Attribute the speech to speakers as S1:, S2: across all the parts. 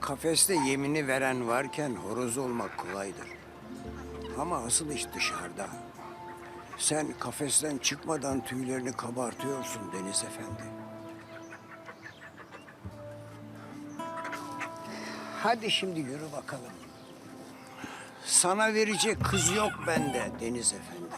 S1: Kafeste yemini veren varken horoz olmak kolaydır. Ama asıl iş dışarıda. Sen kafesten çıkmadan tüylerini kabartıyorsun Deniz Efendi. Hadi şimdi yürü bakalım. Sana verecek kız yok bende Deniz Efendi.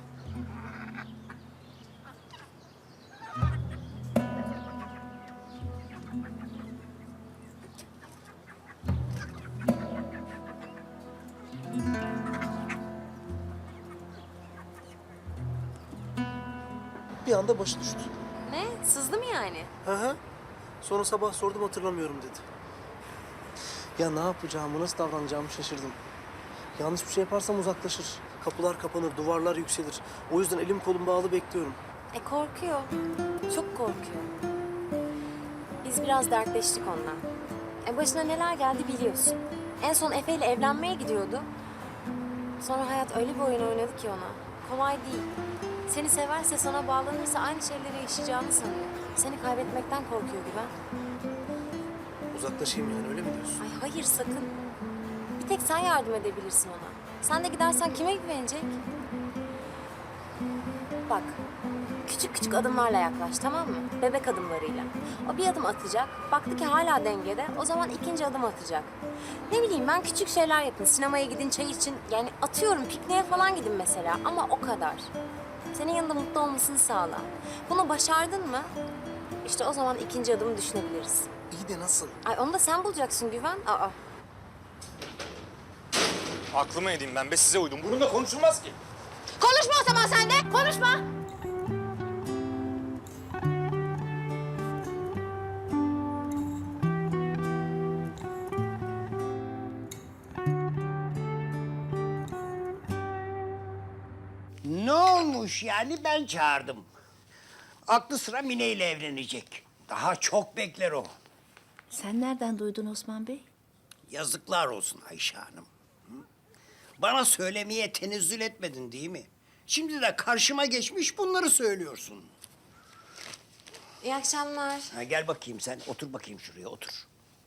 S2: Bir anda başı düştü.
S3: Ne? Sızdı mı yani?
S2: Hı hı. Sonra sabah sordum hatırlamıyorum dedi. Ya ne yapacağımı, nasıl davranacağımı şaşırdım. Yanlış bir şey yaparsam uzaklaşır. Kapılar kapanır, duvarlar yükselir. O yüzden elim kolum bağlı bekliyorum.
S3: Korkuyor. Çok korkuyor. Biz biraz dertleştik ondan. Başına neler geldi biliyorsun. En son Efe ile evlenmeye gidiyordu. Sonra hayat öyle bir oyun oynadı ki ona. Kolay değil. Seni severse, sana bağlanırsa aynı şeyleri yaşayacağını sanıyor. Seni kaybetmekten korkuyor Güven.
S2: Uzaklaşayım yani, öyle mi diyorsun?
S3: Ay hayır sakın. Bir tek sen yardım edebilirsin ona. Sen de gidersen kime güvenecek? Bak, küçük küçük adımlarla yaklaş, tamam mı? Bebek adımlarıyla. O bir adım atacak, baktı ki hala dengede, o zaman ikinci adım atacak. Ne bileyim ben, küçük şeyler yapın. Sinemaya gidin, çay için. Yani atıyorum, pikniğe falan gidin mesela ama o kadar. Senin yanında mutlu olmasını sağla. Bunu başardın mı? İşte o zaman ikinci adımı düşünebiliriz.
S2: İyi de nasıl?
S3: Ay onu da sen bulacaksın Güven. Aa.
S4: Aklıma edeyim ben be, size uydum. Bununla konuşulmaz ki.
S3: Konuşma o zaman sen de, konuşma.
S1: Ne olmuş yani, ben çağırdım. Aklı sıra Mine ile evlenecek. Daha çok bekler o.
S5: Sen nereden duydun Osman Bey?
S1: Yazıklar olsun Ayşe Hanım. Hı? Bana söylemeye tenezzül etmedin değil mi? Şimdi de karşıma geçmiş bunları söylüyorsun.
S3: İyi akşamlar.
S1: Ha, gel bakayım sen, otur bakayım şuraya, otur.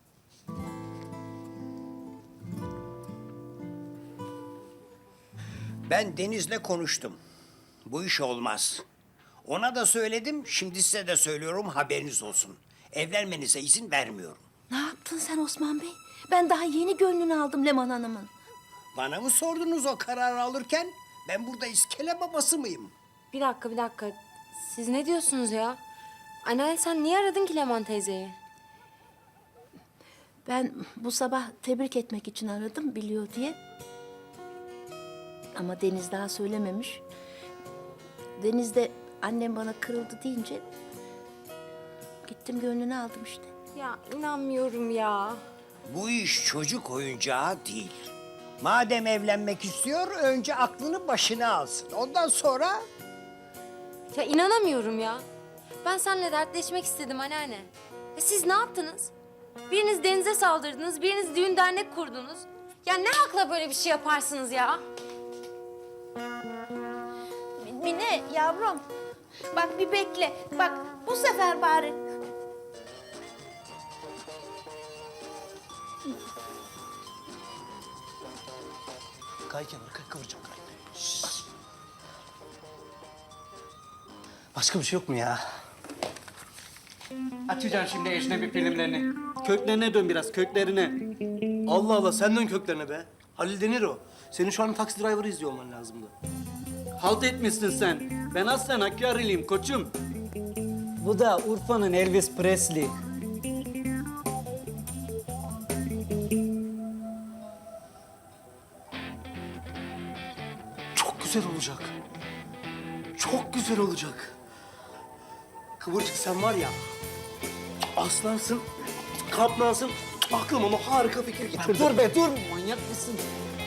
S1: Ben Deniz'le konuştum. Bu iş olmaz. Ona da söyledim, şimdi size de söylüyorum, haberiniz olsun. Evlenmenize izin vermiyorum.
S5: Ne yaptın sen Osman Bey? Ben daha yeni gönlünü aldım Leman Hanım'ın.
S1: Bana mı sordunuz o kararı alırken? Ben burada iskele babası mıyım?
S3: Bir dakika. Siz ne diyorsunuz ya? Anneanne sen niye aradın ki Leman teyzeyi?
S5: Ben bu sabah tebrik etmek için aradım biliyor diye. Ama Deniz daha söylememiş. Deniz de annem bana kırıldı deyince... ...gittim gönlünü aldım işte.
S3: Ya inanmıyorum ya.
S1: Bu iş çocuk oyuncağı değil. Madem evlenmek istiyor, önce aklını başına alsın. Ondan sonra...
S3: Ya inanamıyorum ya. Ben seninle dertleşmek istedim anneanne. Siz ne yaptınız? Biriniz denize saldırdınız, biriniz düğün dernek kurdunuz. Ya ne hakla böyle bir şey yaparsınız ya?
S5: Mine yavrum. Bak bir bekle. Bak bu sefer bari.
S2: Kay kenara, kay, kıvıracağım, kay. Şşş. Başka bir şey yok mu ya?
S6: Açacaksın şimdi ecnebi filmlerini. Köklerine dön biraz, köklerine.
S2: Allah Allah, sen dön köklerine be. Halil Denir o. Senin şu an Taksi Driver'ı izliyor olman lazımdı.
S6: Halt etmişsin sen. Ben aslen Hakkari'liyim koçum. Bu da Urfa'nın Elvis Presley.
S2: Çok güzel olacak. Çok güzel olacak. Kıvırcık sen var ya, aslansın, kaplansın. Aklıma onu harika fikir getirdi.
S6: Dur be dur, manyak mısın?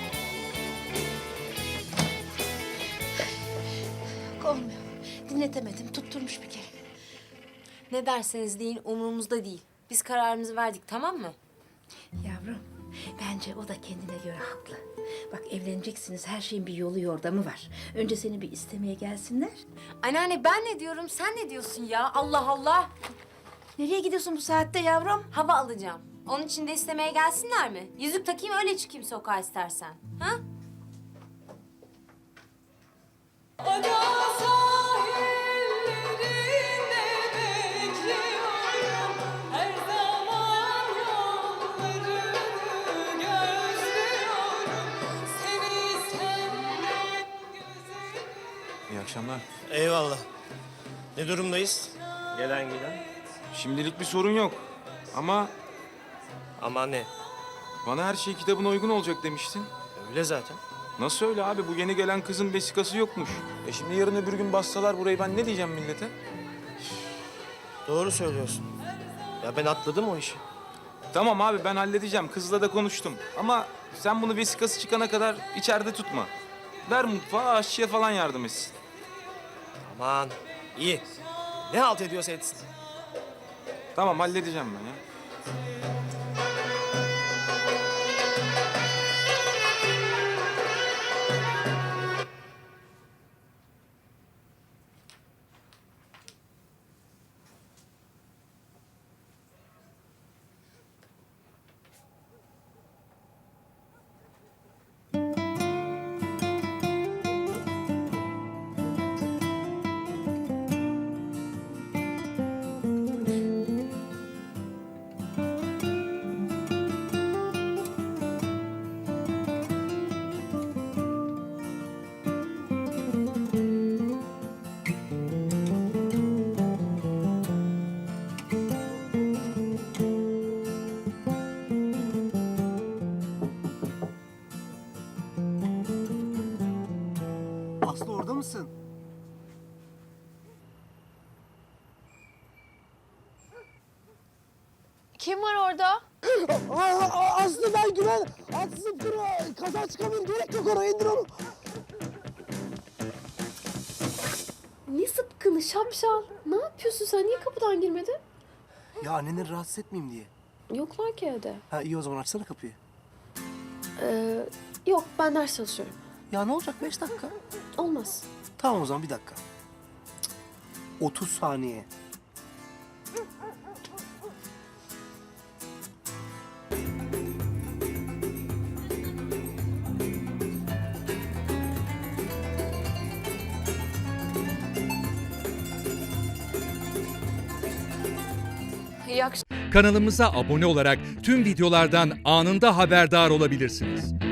S5: Olmuyor. Dinletemedim. Tutturmuş bir kere.
S3: Ne derseniz deyin umurumuzda değil. Biz kararımızı verdik tamam mı?
S5: Yavrum, bence o da kendine göre haklı. Bak evleneceksiniz, her şeyin bir yolu yordamı var. Önce seni bir istemeye gelsinler.
S3: Anneanne ben ne diyorum sen ne diyorsun ya? Allah Allah.
S5: Nereye gidiyorsun bu saatte yavrum?
S3: Hava alacağım. Onun için de istemeye gelsinler mi? Yüzük takayım öyle çıkayım sokağa istersen. Ha?
S7: Ada sahillerinde bekliyorum. Her zaman yollarını gözlüyorum. Seni senden güzelim.
S8: İyi akşamlar.
S9: Eyvallah. Ne durumdayız? Gelen giden.
S8: Şimdilik bir sorun yok. Ama
S9: Ama ne?
S8: bana her şey kitabına uygun olacak demiştin.
S9: Öyle zaten.
S8: Nasıl öyle abi? Bu yeni gelen kızın vesikası yokmuş. Şimdi yarın öbür gün bassalar burayı ben ne diyeceğim millete?
S9: Doğru söylüyorsun. Ya ben atladım o işi.
S8: Tamam abi ben halledeceğim. Kızla da konuştum. Ama sen bunu vesikası çıkana kadar içeride tutma. Ver mutfağa aşçıya falan yardım etsin.
S9: Aman iyi. Ne halt ediyorsa etsin.
S8: Tamam halledeceğim ben ya.
S2: Aslı orada mısın?
S7: Kim var orada?
S2: Aslı ben Güven. Aslı dur. Kaza çıkabilir. Gerek yok ona. İndir onu.
S7: Ne sıpkını şapşal. Ne yapıyorsun sen? Niye kapıdan girmedin?
S2: Ya anneni rahatsız etmeyeyim diye.
S7: Yoklar ki evde.
S2: Ha iyi o zaman açsana kapıyı.
S7: Yok ben ders çalışıyorum.
S2: Ya ne olacak 5 dakika?
S7: Olmaz.
S2: Tamam o zaman bir dakika. Cık, 30 saniye.
S7: İyi akşamlar.
S10: Kanalımıza abone olarak tüm videolardan anında haberdar olabilirsiniz.